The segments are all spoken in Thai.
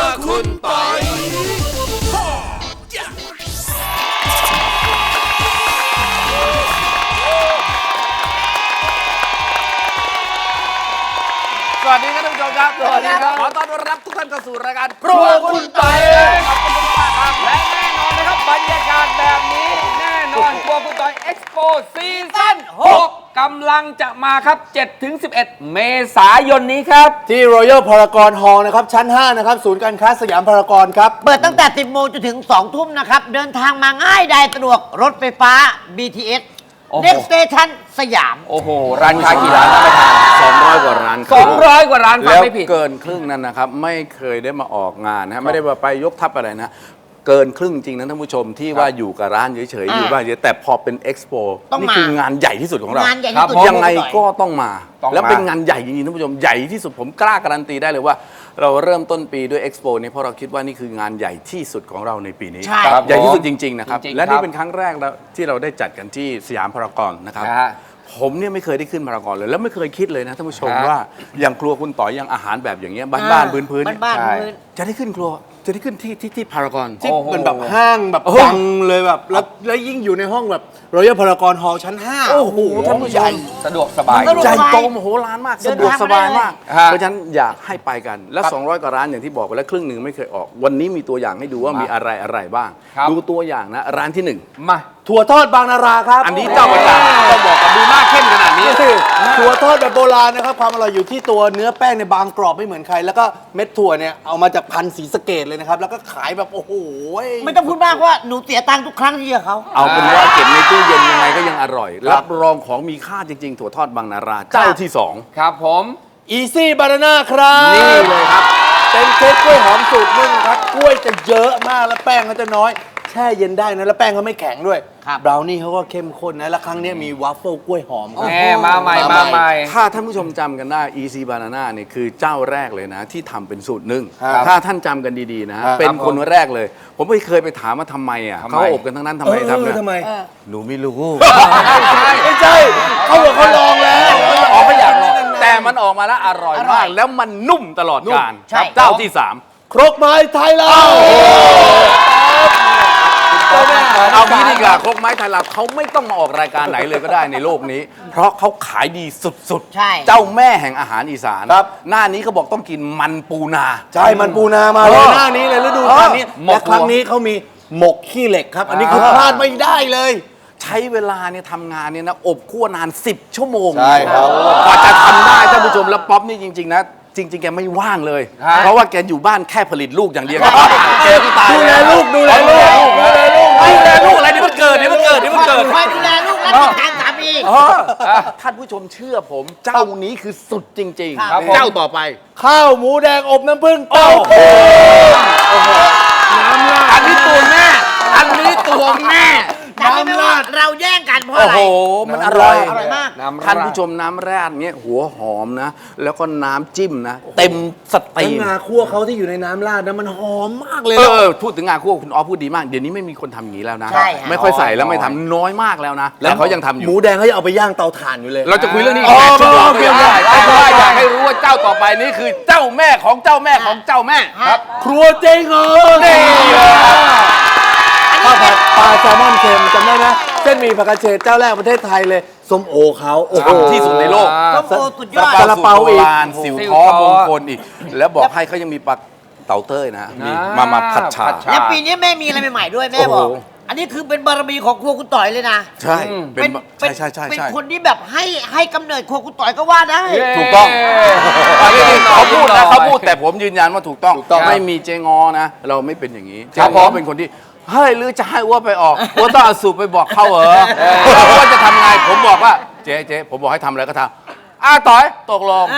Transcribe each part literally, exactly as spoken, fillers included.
คุณปอยสวัสดีครับท่านผู้ชมครับสวัสดีครับขอต้อนรับทุกท่านเข้าสู่รายการครัวคุณปอยขอบคุณมากครับและแน่นอนนะครับบรรยากาศแบบนี้แน่นอนครัวคุณปอยเอ็กซ์โปซีซั่นหกกำลังจะมาครับ เจ็ดถึงสิบเอ็ด เมษายนนี้ครับที่ Royal Paragon Hall นะครับชั้นห้านะครับศูนย์การค้าสยามพารากอนครับเปิดตั้งแต่ สิบโมงจนถึง สองทุ่มนะครับเดินทางมาง่ายดายสะดวกรถไฟฟ้า บี ที เอส Next Station สยามโอ้โหร้านค้ากี่ร้านนะไม่ทานสองร้อยกว่าร้านสองร้อยกว่าร้านฟังไม่ผิดเกินครึ่งนั้นนะครับไม่เคยได้มาออกงานนะไม่ได้ไปยกทัพอะไรนะเกินครึ่งจริงนะท่านผู้ชมที่ว่าอยู่กับร้านเฉยๆอยู่บ้านเฉยแต่พอเป็นเอ็กซ์โปนี่คืองานใหญ่ที่สุดของเรางานใหญ่ที่สุดยังไงก็ต้องมาแล้วเป็นงานใหญ่จริงๆท่านผู้ชมใหญ่ที่สุดผมกล้าการันตีได้เลยว่าเราเริ่มต้นปีด้วยเอ็กซ์โปนี้เพราะเราคิดว่านี่คืองานใหญ่ที่สุดของเราในปีนี้ใหญ่ที่สุดจริงๆนะครับและนี่เป็นครั้งแรกที่เราได้จัดกันที่สยามพารากอนนะครับผมเนี่ยไม่เคยได้ขึ้นพารากอนเลยแล้วไม่เคยคิดเลยนะท่านผู้ชมว่าอย่างครัวคุณต่อยอย่างอาหารแบบอย่างเงี้ยบ้านๆพื้นๆจะได้ขึ้นครัวจะได้ขึ้นที่ที่ที่พารากอนที่เป็นแบบห้างแบบดังเลยแบบแล้วแล้วยิ่งอยู่ในห้องแบบ Royal Paragon Hall ชั้นห้าโอ้โหท่านผู้ชมสะดวกสบายใหญ่โตมโหฬารมากสะดวกสบายมากเพราะฉะนั้นอยากให้ไปกันแล้วสองร้อยกว่าร้านอย่างที่บอกไปแล้วครึ่งหนึ่งไม่เคยออกวันนี้มีตัวอย่างให้ดูว่ามีอะไรอะไรบ้างดูตัวอย่างนะร้านที่หนึ่งมาถั่วทอดบางนาราครับอันนี้เจ้าประจำต้องบอกกันดูหน้าเข้มขนาดนี้ถั่วทอดแบบโบราณนะครับความอร่อยอยู่ที่ตัวเนื้อแป้งในบางกรอบไม่เหมือนใครแล้วก็เม็ดถั่วเนี่ยเอามาจากพันธุ์ศรีสะเกษเลยนะครับแล้วก็ขายแบบโอ้โหไม่ต้องพูดมากว่าหนูเสียตังค์ทุกครั้งที่เจอเขาเอาเป็นว่าเก็บในตู้เย็นยังไงก็ยังอร่อยรับรองของมีค่าจริงๆถั่วทอดบางนาราเจ้าที่สองครับผม Easy Banana ครับนี่เลยครับเป็นเค้กกล้วยหอมสูตรนึ่งครับกล้วยจะเยอะมากแล้วแป้งก็จะน้อยแช่เย็นได้นะแล้วแป้งเขาไม่แข็งด้วยบราวนี่เขาก็เข้มข้นนะแล้วครั้งนี้มีวาฟเฟิลกล้วยหอมแหมมาใหม่มาใหม่ถ้าท่านผู้ชมจำกันได้ Easy Banana เนี่ยคือเจ้าแรกเลยนะที่ทำเป็นสูตรนึ่งถ้าท่านจำกันดีๆนะเป็นคนแรกเลยผมไม่เคยไปถามว่าทำไมอ่ะเขาอบกันทั้งนั้นทำไมทำเนี่ยทำไมหนูไม่รู้ไม่ใช่เขาบอกเขาลองแล้วอ๋อไม่อยากลองแต่มันออกมาแล้วอร่อยมากแล้วมันนุ่มตลอดกาลเจ้าที่สามครกไม้ไทยเราเอางี้ดีกว่าครกไม้ไทยเราเขาไม่ต้องมาออกรายการไหนเลยก็ได้ในโลกนี้เพราะเขาขายดีสุดๆเจ้าแม่แห่งอาหารอีสานหน้านี้เขาบอกต้องกินมันปูนาใช่มันปูนามาเลยหน้านี้เลยฤดูกาลนี้และครั้งนี้เขามีหมกขี้เหล็กครับอันนี้คือพลาดไม่ได้เลยใช้เวลาเนี่ยทำงานเนี่ยนะอบคั่วนานสิบชั่วโมงใช่ครับกว่าจะทำได้ท่านผู้ชมแล้วป๊อปนี่จริงๆนะจริงๆแกไม่ว่างเลยเพราะว่าแกอยู่บ้านแค่ผลิตลูกอย่างเดียวแกก็ตายดูแลลูกดูแลลูกดูแลลูกดูแลลูกอะไรนี่มันเกิดนี่มันเกิดนี่มันเกิดคอยดูแลลูกและติดตามสามีท่านผู้ชมเชื่อผมเจ้านี้คือสุดจริงๆเจ้าต่อไปข้าวหมูแดงอบน้ำผึ้งเต้าหู้น้ำราดอันนี้ตัวแม่อันนี้ตัวแม่น้ำราดเราแย่งกันเพราะอะไรโอ้โหมันอร่อยอร่อยมากท่านผู้ชมน้ำราดเนี้ยหัวหอมนะแล้วก็น้ำจิ้มนะเต็มสตรีมงาคั่วเขาที่อยู่ในน้ำราดนะมันหอมมากเลยเออพูดถึงงาคั่วคุณอ๋อพูดดีมากเดี๋ยวนี้ไม่มีคนทำอย่างนี้แล้วนะไม่ค่อยใส่แล้วไม่ทำน้อยมากแล้วนะแล้วเขายังทำอยู่หมูแดงเขาจะเอาไปย่างเตาถ่านอยู่เลยเราจะคุยเรื่องนี้อีกแปดชั่วโมงไม่ได้แต่ว่าอยากให้รู้ว่าเจ้าต่อไปนี้คือเจ้าแม่ของเจ้าแม่ของเจ้าแม่ครับครัวเจ๊งเหรอนี่ข้าวผัดปลาแซลมอนเค็มจำได้ไหมเส้นหมี่ผักกระเฉดเจ้าแรกประเทศไทยเลยส้มโอเขาโอ้โหที่สุดในโลกส้มโอสุดยอดซาลาเปาอีกสิวท้อมงคลอีกแล้วบอกให้เขายังมีปลาเต่าเต้ยนะมีมามาผัดฉ่าแล้วปีนี้แม่มีอะไรใหม่ๆด้วยแม่บอกอันนี้คือเป็นบารมีของครัวคุณต่อยเลยนะใช่เป็นใช่ใช่ใช่เป็นคนที่แบบให้ให้กำเนิดครัวคุณต่อยก็ว่าได้ถูกต้องเขาพูดนะเขาพูดแต่ผมยืนยันว่าถูกต้องไม่มีเจงอนะเราไม่เป็นอย่างนี้เจงอเป็นคนที่เฮ้ยหรือจะให้อ้วไปออกอ้วต้องเอาสูบไปบอกเขาเหรอว่าจะทำไงผมบอกว่าเจ๊เจ๊ผมบอกให้ทำอะไรก็ทำอ้าต่อยตกลง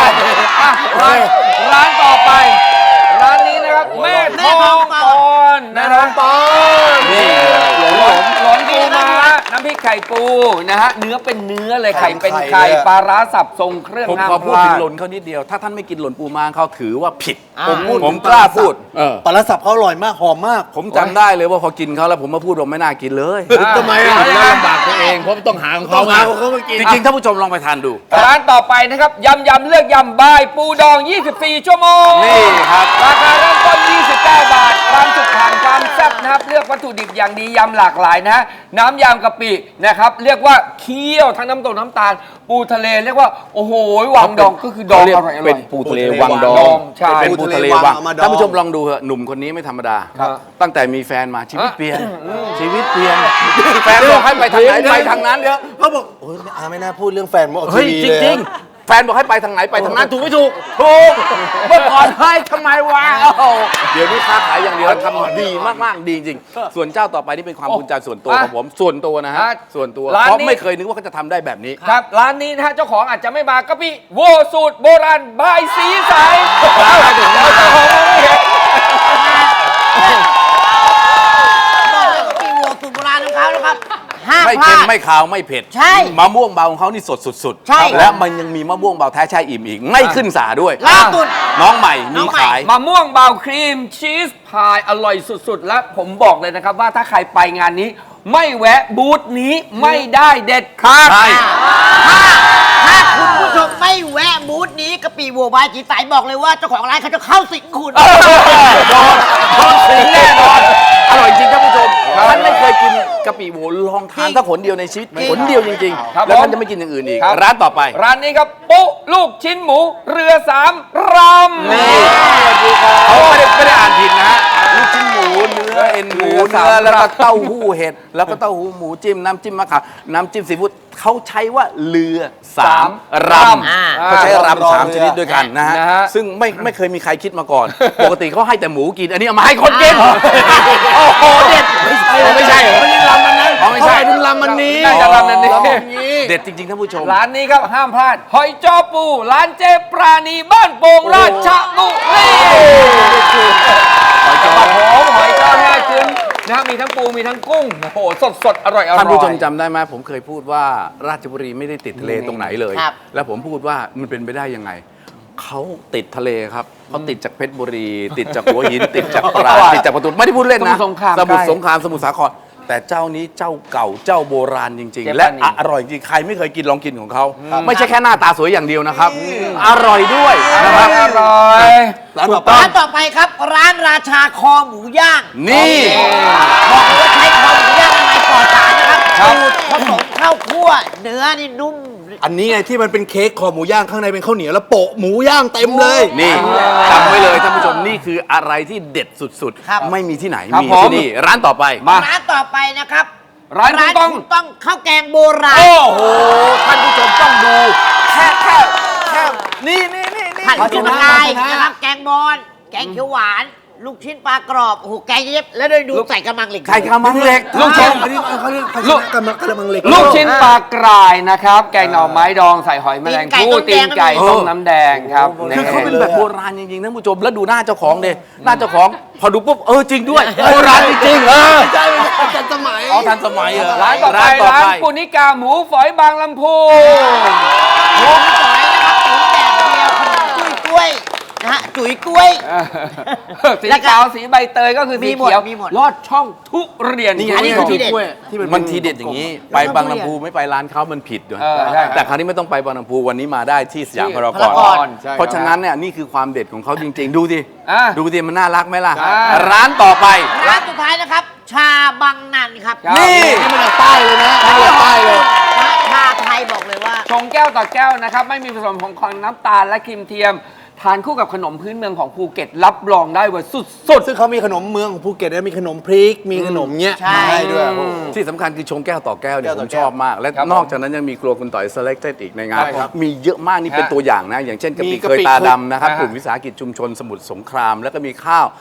ร้านต่อไปร้านนี้นะครับแม่ทองปอนแม่ทองปอนนี่หลนหลนปูม้าน้ำพริกไข่ปูนะฮะเนื้อเป็นเนื้อเลยไข่เป็นไข่ไข่เลยอะปลาร้าสับทรงเครื่องผมห้ามขอพูดพลาถึงดหล่นเขานิดเดียว ถ้าท่านไม่กินหล่นปูม้าเขาถือว่าผิดอ่าผมพูดผมกล้าพูดปลาร้าสับเขาอร่อยมากหอมมากผมจำได้เลยว่าพอกินเขาแล้วผมมาพูดว่าไม่น่ากินเลยทำไมอ่ะแล้วยังไงลำบากตัวเองเพราะต้องหาของเขามาเขามากินจริงๆท่านผู้ชมลองไปทานดูร้านต่อไปนะครับยำยำเลือกยำบายปูดอง ยี่สิบสี่ ชั่วโมงนี่ครับราคาเริ่มต้น ยี่สิบเก้า บาท ความสุขผ่านความแซ่บนะครับ เลือกวัตถุดิบอย่างดียำหลากหลายนะฮะน้ำยำกะปินะครับ เรียกว่าเคี่ยวทั้งน้ำตกน้ำตาล ปูทะเลเรียกว่า โอ้โหวังดองก็คือดองเขาเรียกอร่อยๆเป็นปูทะเลวังดดออง งใช่เป็นปูทะเลปูทะเลวัวังงเอามาดองท่านผู้ชมลองดูเถอะหนุ่มคนนี้ไม่ธรรมดาครับตั้งแต่มีแฟนมาชีวิตเปลี่ยน ชีวิตเปลี่ยน แฟนบอกให้ไปทางไหนไปทางนั้นเดี๋ยวเขาบอกโอ้ยอาไม่น่าพูดเรื่องแฟนมาออกเฮ้ยทีวีจเลยริง ๆ แฟนบอกให้ไปทางไหนไปทางนั้นถูกไม่ถูกถูกเมื่อก่อนให้ทำไมวะโอ้โหเดี๋ยวนี้ค้าขายอย่างเดียวทำดีมากๆดีจริงส่วนเจ้าต่อไปนี่เป็นความภูมิใจส่วนตัวของผมส่วนตัวนะฮะอ่ะส่วนตัวร้านเพราะนี้ไม่เคยนึกว่าเขาจะทำได้แบบนี้ครับร้านนี้นะฮะเจ้าของอาจจะไม่มากะปิโวสูตรโบราณบายสีใสเอาเจ้าของไม่เห็นบอกเลยว่าปีวัวสูตรโบราณของเขานะครับห้ามไม่พลาเค็มดไม่ขาวไม่เผ็ดใช่มะม่วงเบาของเขานี่สดสุดๆใช่และมันยังมีมะม่วงเบาแท้แช่อิ่มอีก ไม่ขึ้นสาด้วยล่าสุดน้องใหม่น้มีองใหม่ขายมะม่วงเบาครีมชีสพายอร่อยสุดๆ และผมบอกเลยนะครับว่าถ้าใครไปงานนี้ ไม่แวะบูธนี้ไม่ได้เด็ดขาดใช่ถ้าถ้าคุณผู้ชมไม่แวะบูธนี้กะปิวัวบายจีสายบอกเลยว่าเจ้าของร้านเขาจะเข้าสิงคุณโดนโดนสิงแน่นอน อร่อยจริงท่านผู้ชมท่านไม่เคยกินกะปิหมูลองทานสักผลเดียวในชีวิตผลเดียวจริงครับๆ แล้วท่านผมจะไม่กินอย่างอื่นอีกครับร้านต่อไปร้านนี้ครับปุ๊ลูกชิ้นหมูเรือสามรำนี่เขาไม่ได้ไม่ได้อ่านผิดนะฮะลูกชิ้นหมูเนื้อเอ็นหมูเนื้อแล้วก็เต้าหู้เห็ดแล้วก็เต้าหู้หมูจิ้มน้ำจิ้มมะขามน้ำจิ้มซีฟู้ดเขาใช้ว่าเรือสามรำอ่าเขาใช้รำสามชนิดด้วยกันนะฮะนะฮะซึ่งไม่ไม่เคยมีใครคิดมาก่อน ปกติเขาให้แต่หมูกิน อันนี้เอามาให้คนกิน โอ้โหเด็ดไม่ใช่เหรอไม่ใช่รำมันนั้นไม่ใช่ถึงลำมันนี้น่าจะรำนั้นนี้เด็ดจริงๆท่านผู้ชมร้านนี้ครับห้ามพลาด หอยจ้อปู ร้านเจปราณีบ้านโป่งราชบุรีหอยจ้อหอมหอยจ้อแห้กึนนะมีทั้งปูมีทั้งกุ้งโอ้โหสดสดๆอร่อยอร่อยท่านผู้ชมจำได้ไหมผมเคยพูดว่าราชบุรีไม่ได้ติดทะเลตรงไหนเลยครับแล้วผมพูดว่ามันเป็นไปได้ยังไง เขาติดทะเลครับเขาติดจากเพชรบุรี ติดจากหัวหิน ติดจากตราดติดจากประตูไม่ได้พูดเล่นนะสมุทรสงครามสมุทรใกล้สงครามสมุทรสาครแต่เจ้านี้เจ้าเก่าเจ้าโบราณจริงเจ๊ๆ และปานีอร่อยจริงใครไม่เคยกินลองกินของเขาไม่ใช่แค่หน้าตาสวยอย่างเดียวนะครับ อร่อยด้วยนะครับอร่อยร้านต่อไปร้านต่อไปครับ ร้านราชาคอหมูย่างนี่บอกเลยว่าใช้คอหมูย่างอะไรปลอดสารนะครับสูตรผสมข้าวคั่วเนื้อนี่นุ่มอันนี้ไงที่มันเป็นเค้กคอหมูย่างข้างในเป็นข้าวเหนียวแล้วโปะหมูย่างเต็มเลยนี่จำไว้เลยท่านผู้ชมนี่คืออะไรที่เด็ดสุดครับๆ ไม่มีที่ไหนครับมีผมที่นี่ร้านต่อไปมาร้านต่อไปนะครับร้านคุณต้องคุณต้องข้าวแกงโบราณโอ้โหท่านผู้ชมต้องดู แค่แค่แค่นี่นี่นี่นี่ผัดภาชจุนะนายภาชนะนะครับ แกงบอลแกงเขียวหวาน ลูกชิ้นปลากรอบ โอ้โห แกงเย็บ แล้วได้ดูใส่กระมังเหล็กไข่กระมังเหล็กลูกชิ้นอันนี้เขาเรียกภาชลูกนะกระมังกระมังเหล็กลูกชิ้นปลากรายนะครับ แกงหน่อไม้ดองใส่หอยแมลงภู่ตีนไก่ต้มน้ำแดงครับคือเขาเป็นนี่แบบโบราณจริงๆท่านผู้ชมแล้วดูหน้าเจ้าของเดหน้าเจ้าของ พอดูปุ๊บเออจริงด้วยโบราณจริงๆเออใช่ทันสมัยอ๋อทันสมัยเหรอร้านต่อไปร้านปุณิกาหมูฝอยบางลำพูหมูฝอยนะครับหมูแดดเดียวขนมจุ้ยกล้วยนะฮะ จุ๋ยกล้วยสีขาวสีใบเตยก็คือสีมีหมดเขียวมีหมดลอดช่องทุเรียนนี่ไงอันนี้คือทีเด็ดที่มันมันทีเด็ดอย่างนี้ ไปบางลำพูไม่ไปร้านเขามันผิดด้วยเออใช่แต่คราวนี้ไม่ต้องไปบางลำพูวันนี้มาได้ที่สยามพารากพารากออน นใช่ครับเพราะฉะนั้นเนี่ยนี่คือความเด็ดของเขาจริง ๆ ดูสิอ่ะดูสิมันน่ารักไหมล่ะอ่าร้านต่อไปร้านสุดท้ายนะครับ ชาบังนันครับครับนี่นี่มันจากใต้เลยนะนี่จากใต้เลยชาไทยบอกเลยว่าชงแก้วต่อแก้วนะครับ ไม่มีผสมของของน้ำตาลและครีมเทียม ทานคู่กับขนมพื้นเมืองของภูเก็ตรับรองได้ว่าสุดซึ่งเขามีขนมเมืองของภูเก็ตด้วยมีขนมพริก มีขนมเงี้ยใช่มาให้ด้วยโอ้โหที่สำคัญคือชงแก้วต่อแก้วเนี่ยแก้วผต่อมแก้วชอบมาก และครับนอกจากนั้นยังมีครัวคุณต่อย selected อีกในงานใช่ครับมีเยอะมากนี่เป็นฮะตัวอย่างนะ อย่างเช่นกะมีปิกะเคปิยตาดำนะครับนะฮะกลุ่มวิสาหกิจชุมชนสมุทรสงคราม แล้วก็มีข้าว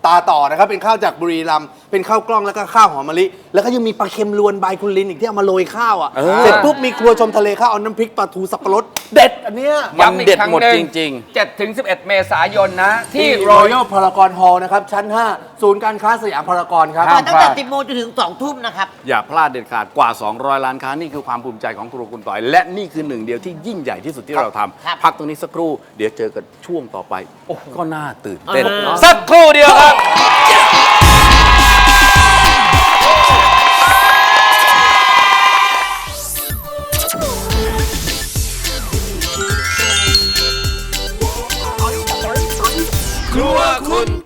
ตาต่อนะครับเป็นข้าวจากบุรีรัมย์เป็นข้าวกล้องแล้วก็ข้าวหอมมะลิแล้วก็ยังมีปลาเค็มลวนใบคุณลินอีกที่เอามาโรยข้าวอ่ะเสร็จปุ๊บมีครัวชมทะเลข้าวเอาน้ำพริกปลาทูสับปะรดเด็ดอันเนี้ยมันเด็ดหมดจริงๆเจ็ดถึงสิบเอ็ด เมษายนนะ ที่ที่ Royal Royal Paragon Hall นะครับชั้น ห้า ศูนย์การค้าสยามพารากอนครับเปิดตั้งแต่สิบโมงจนถึงสองทุ่มนะครับอย่าพลาดเด็ดขาดกว่า สองร้อย ล้านค้านี่คือความภูมิใจของครัวคุณต่อย และนี่คือหนึ่งเดียวที่ยิ่งใหญ่ที่สุดที่เราทครับำพักตรงนี้สักครู่เดี๋ยวเจอกันช่วงต่อไปก็น่าตื่นเต้นอ่าสักครู่เดียวครับ ครัวคุณ